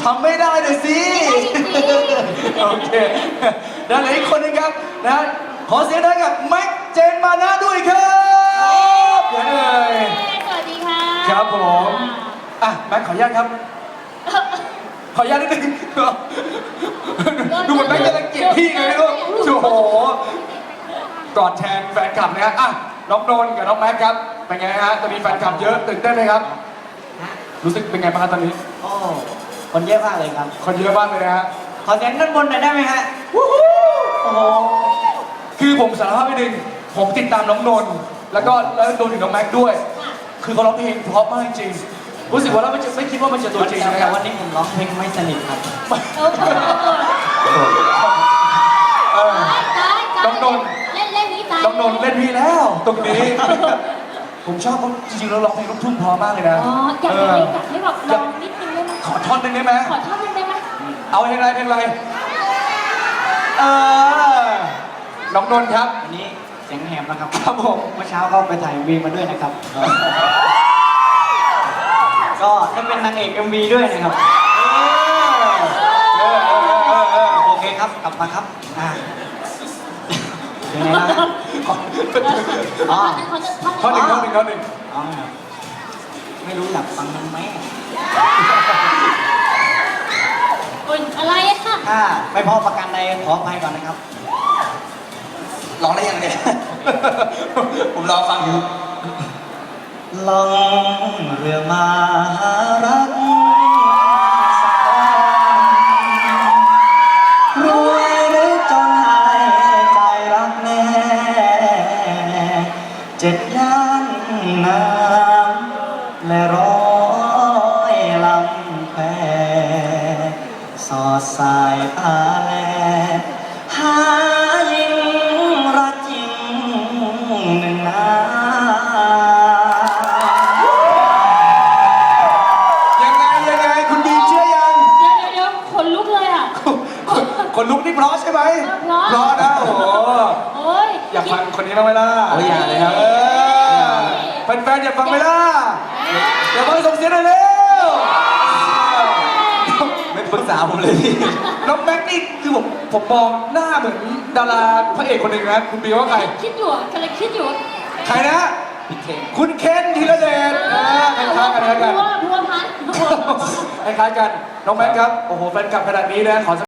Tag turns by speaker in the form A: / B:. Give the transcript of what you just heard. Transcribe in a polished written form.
A: ทำไม่ได้เลยสิโอเคด้านไหนอีกคนนึงครับนะขอเสียงดังกับแม็กเจนมานะด้วยครับเย้เลย
B: สวัสดีค่ะ
A: ครับผมอ่ะแม็กขออนุญาตครับขออนุญาตนิดนึงดูเหมือนแม็กจะรังเกียจพี่ไงไม่รู้โอ้โหกอดแทนแฟนคลับนะฮะอ่ะน้องนนท์กับน้องแม็กครับเป็นไงฮะตอนนี้แฟนคลับเยอะตื่นเต้นไหมครับรู้สึกเป็นไงบ้างครับตอนนี้
C: โอ้คนเยอะมากเลยครับ
A: คนเยอะมากเลยนะฮะ
C: ขอเสียงด้านบนหน่อยได้ไหมฮะ
A: โอ้โหคือผมสารภาพนิดนึงผมติดตามน้องนนท์แล้วโดนถึงน้องแม็กด้วยคือเขาร้องเพลงเพราะมากจริงรู้สึกว่าเราไม่คิดว่ามันจะตัวจริงนะค
C: แต่
A: รับ
C: วันนี้ผมร้องเพลงไม่สนิทครับ
A: น้องนนท์
B: เล่นนี้ตาย
A: น้องนนท์เล่นพี่แล้วตรงนี้ผมชอบเขาจริงๆเราร้องเพลงลูกทุ่งเพราะมากเลยนะ
B: อ๋ออยากให้แบบลองนิดนึงได้ไหม
A: ขอท่อนนึงได้ไหม
B: ขอท่อนนึงได้ไหม
A: เอาเพลงอะไรน้องนนท์ครับ
C: วันนี้เสียงแหบนะครับ
A: ครับผม
C: เมื่อเช้าก็ไปถ่าย MV มาด้วยนะครับก็ได้เป็นนางเอก MV ด้วยนะครับโอเคครับกลับมาครับยังไงนะ
A: อ๋อข้อหนึ่ง
C: อ๋อไม่รู้อยากฟังมันไหม
B: อะไรอะ
C: ค่ะไม่พอประกันใดขออภัยก่อนนะครับ
A: ร้องได้ยังไงผมรอฟังอยู่
C: ล่องเรือมาหารักรวยหรือจนหายใจรักแน่7 ย่านน้ำและ100 ลำแพสอดสายตาแลหายิ่งรักยิ่งหนึ่งนา
A: ยังไงคุณบีเชื่อยัง
B: เดี๋ยวคนลุกเลยอ่ะ
A: คนลุกนี่เพราะใช่ไหมเพราะนะโอ้โหอยากฟังคนนี้บ้างไหมล่ะ
C: โอ้ยอย่าเลยครับ
A: แฟนๆอยากฟังไหมล่ะอย่าฟังส่งเสียงหน่อยเร็ว
C: ไม่ปรึกษาผมเลยพี่
A: น้องแม็กนี่คือผมมองหน้าเหมือนดาราพระเอกคนหนึ่งนะคุณบีว่าใคร
B: คิดอยู่กำลังคิดอยู่
A: ใครนะคุณเคนธีรเดชคล้ายๆกัน
B: พัวพัน
A: คล้ายๆกันน้องแม็กครับโอ้โหแฟนคลับขนาดนี้นะขอ